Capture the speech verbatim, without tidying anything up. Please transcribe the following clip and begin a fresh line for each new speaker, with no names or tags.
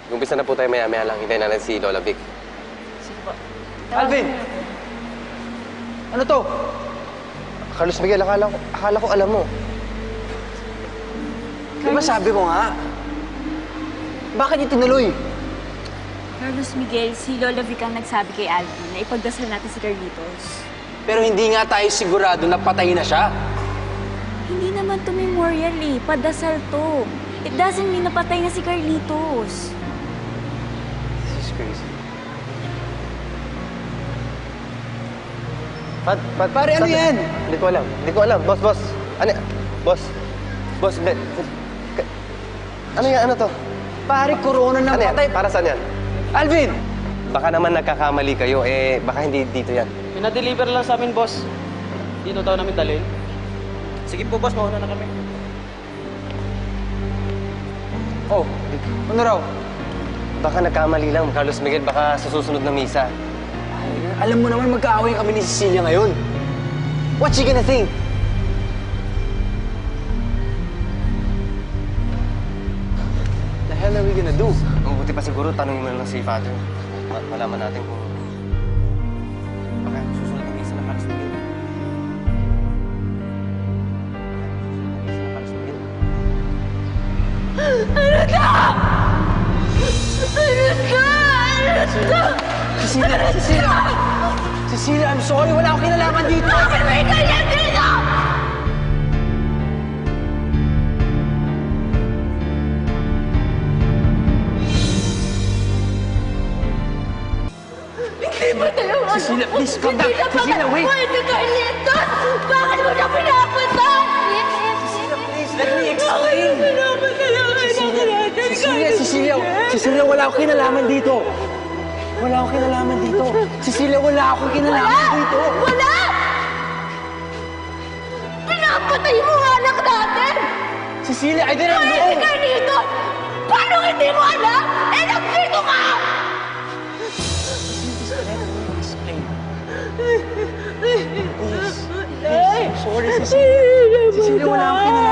Umpisa na po tayo maya-maya lang. Hintayin natin si Lola Vic.
Sige po.
Alvin! Ano to?
Carlos Miguel, akala ko, akala ko alam mo.
Di ba sabi ko nga? Bakit niyo tinuloy?
Carlos Miguel, si Lola Vic ang nagsabi kay Alvin na ipagdasal natin si Carlitos.
Pero hindi nga tayo sigurado na patay na siya.
Hindi naman to memorial eh. Padasal to. It doesn't mean napatay na si Carlitos.
This is crazy. Pat, pat,
Pare, ano
Pat-
yan?
Hindi ko alam. Hindi ko alam. Boss, boss. Ano yan? Boss. Boss, hindi. Ka- Ano yan? Ano to?
Pare, corona na
Ano yan?
patay.
Para saan yan?
Alvin!
Baka naman nagkakamali kayo. Eh, baka hindi dito yan.
Pinadeliver lang sa amin, boss. Dito daw namin dalhin. Sige po, boss. Mauna na kami.
Oh, ano raw?
Baka nagkamali lang, Carlos Miguel. Baka sa susunod na misa.
Ay, alam mo naman magkaaway kami ni Cecilia ngayon. What's she gonna think? The hell are we gonna do?
Mabuti pa siguro, tanongin mo na lang si Father. Ma malaman natin kung... Baka susunod na misa na Carlos Miguel. Baka susunod na misa na Carlos Miguel.
Ano ka? Ano ka? Ano ka?
Cecilia! Cecilia! Cecilia, I'm sorry. Wala akong kinalaman dito.
Bakit may ganyan dito? Hindi mo tayo ano?
Cecilia, please, calm down.
Hindi na
Cecilia, wait.
Pwede Carlitos! Bakit mo na pinapunta?
Please, let me explain. Cecilia, Cecilia, Cecilia, Cecilia, wala akong kinalaman dito. Wala akong kinalaman dito. Cecilia, wala akong kinalaman
Wala!
dito.
Wala! Pinapatay mo ang anak natin!
Cecilia, I didn't
Pwede
know.
Carlitos! Paano hindi mo alam? Eh, nagpito ka!
Explain. Please, please, I'm sorry, Cecilia. Cecilia, wala akong kinalaman